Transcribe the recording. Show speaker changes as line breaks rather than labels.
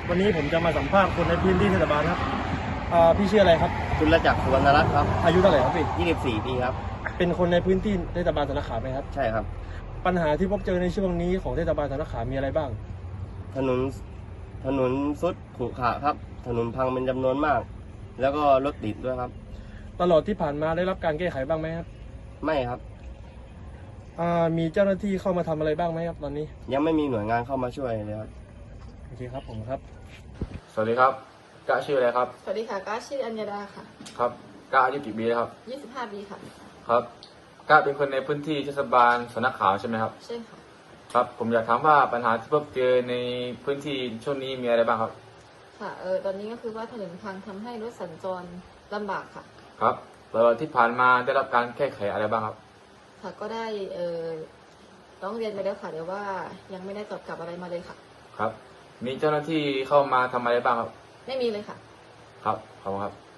วันนี้ผมจะมาสัมภาษณ์คนในพื้นที่เทศบาลครับพี่ชื่ออะไรครับ
จุลจักร สุวรรณรัตน์ครับ
อายุเท่าไหร่ครับพี่
24 ปีครับ
เป็นคนในพื้นที่เทศบาลสารขามไหมครับ
ใช่ครับ
ปัญหาที่พบเจอในช่วงนี้ของเทศบาลสารขามมีอะไรบ้าง
ถนนถนนทรุดขรุขระครับถนนพังเป็นจำนวนมาก แล้วก็รถติดด้วยครับ
ตลอดที่ผ่านมาได้รับการแก้ไขบ้างไหมครับ
ไม่ครับ
มีเจ้าหน้าที่เข้ามาทำอะไรบ้างไหมครับตอนนี้
ยังไม่มีหน่วยงานเข้ามาช่วยเลยครับ
โอเคครับผมครับ
สวัสดีครับกะชื่ออะไรครับ
สวัสดีค่ะก้าชื่ออัญญาดาค่ะ
ครับกะอายุกี่ปีแล้วครับ
25 ปีค่ะ
ครับกะเป็นคนในพื้นที่เทศบาลสนขาวใช่ไหมครับ
ใช่ค่ะ
ครับผมอยากถามว่าปัญหาที่พบเจอในพื้นที่ช่วงนี้มีอะไรบ้างครับ
ค่ะตอนนี้ก็คือว่าถนนพังทำให้รถสัญจรลำบากค่ะ
ครับตลอดที่ผ่านมาได้รับการแก้ไขอะไรบ้างครับ
ค่ะก็ได้ร้องเรียนไปแล้วค่ะแต่ว่ายังไม่ได้ตอบกลับอะไรมาเลยค่ะ
ครับมีเจ้าหน้าที่เข้ามาทำอะไรบ้างครับ
ไม่มีเลยค่ะ
ครับขอบคุณครับ